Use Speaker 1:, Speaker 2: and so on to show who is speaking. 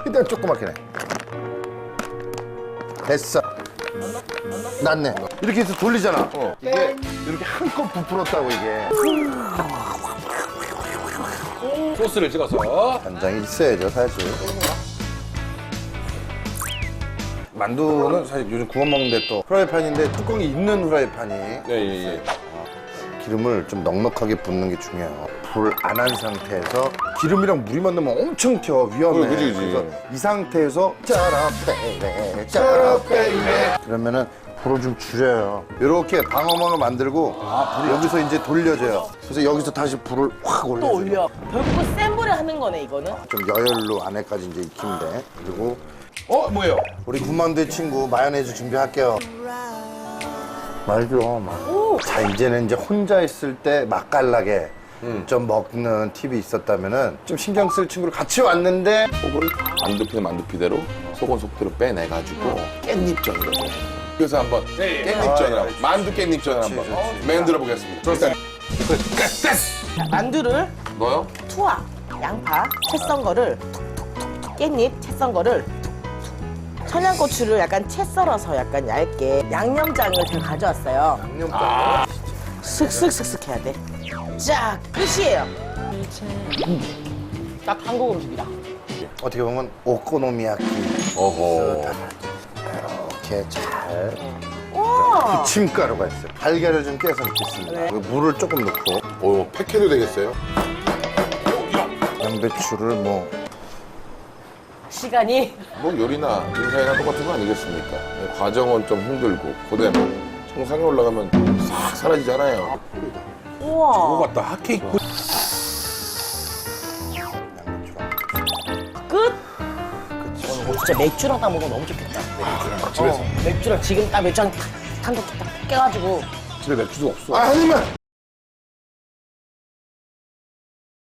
Speaker 1: 최대한 조그맣게 내. 됐어. 낫네. 이렇게 해서 돌리잖아. 이게 이렇게 한껏 부풀었다고 이게.
Speaker 2: 소스를 찍어서.
Speaker 1: 간장이 있어야죠 사실. 만두는 사실 요즘 구워 먹는데 또 프라이팬인데 뚜껑이 있는 프라이팬이
Speaker 2: 네, 예.
Speaker 1: 기름을 좀 넉넉하게 붓는 게 중요해요. 불 안 한 상태에서 기름이랑 물이 만나면 엄청 튀어 위험해.
Speaker 2: 그지.
Speaker 1: 그래서 이 상태에서 짜라빼레 그러면은 불을 좀 줄여요. 이렇게 방어망을 만들고 여기서 이제 돌려줘요. 그래서 여기서 다시 불을 확 올려줘요.
Speaker 3: 또 올려. 결국은 센 불에 하는 거네 이거는.
Speaker 1: 좀 여열로 안에까지 이제 익히면 돼. 그리고
Speaker 2: 뭐예요?
Speaker 1: 우리 군만두의 친구 마요네즈 준비할게요. 말죠. 자 이제는 이제 혼자 있을 때 맛깔나게 좀 먹는 팁이 있었다면은 좀 신경 쓸 친구를 같이 왔는데
Speaker 2: 속을 만두피는 만두피대로 속은 속대로 빼내가지고 깻잎전으로 해. 그래서 한번 깻잎전을 한번 만두 깻잎전을 한번 만들어 보겠습니다. 일단
Speaker 3: 자, 만두를
Speaker 2: 넣어요?
Speaker 3: 투하, 양파, 채 썬 거를 툭툭툭 깻잎 채 썬 거를 툭툭 청양고추를 약간 채 썰어서 약간 얇게 양념장을 제가 가져왔어요.
Speaker 1: 양념장.
Speaker 3: 슥슥슥슥 해야 돼. 자, 끝이에요. 딱 한국 음식이다.
Speaker 1: 어떻게 보면 오코노미야키
Speaker 2: 어허.
Speaker 1: 이렇게 잘
Speaker 3: 우와.
Speaker 1: 부침가루가 있어요. 달걀을 좀 깨서 넣겠습니다.
Speaker 3: 네.
Speaker 1: 그리고 물을 조금 넣고
Speaker 2: 오, 팩해도 되겠어요?
Speaker 1: 양배추를 뭐
Speaker 3: 시간이
Speaker 2: 뭐 요리나 인사이나 똑같은 거 아니겠습니까? 과정은 좀 힘들고 그다음에 정상에 올라가면 싹 사라지잖아요.
Speaker 3: 우와.
Speaker 2: 그거 같다 핫케이크.
Speaker 1: 양배추랑
Speaker 3: 끝. 진짜 맥주랑 따 먹으면 너무 좋겠다.
Speaker 2: 집에서
Speaker 3: 맥주랑 지금 딱 맥주 한 캔 깨가지고
Speaker 2: 집에 맥주도 없어.
Speaker 1: 한 입만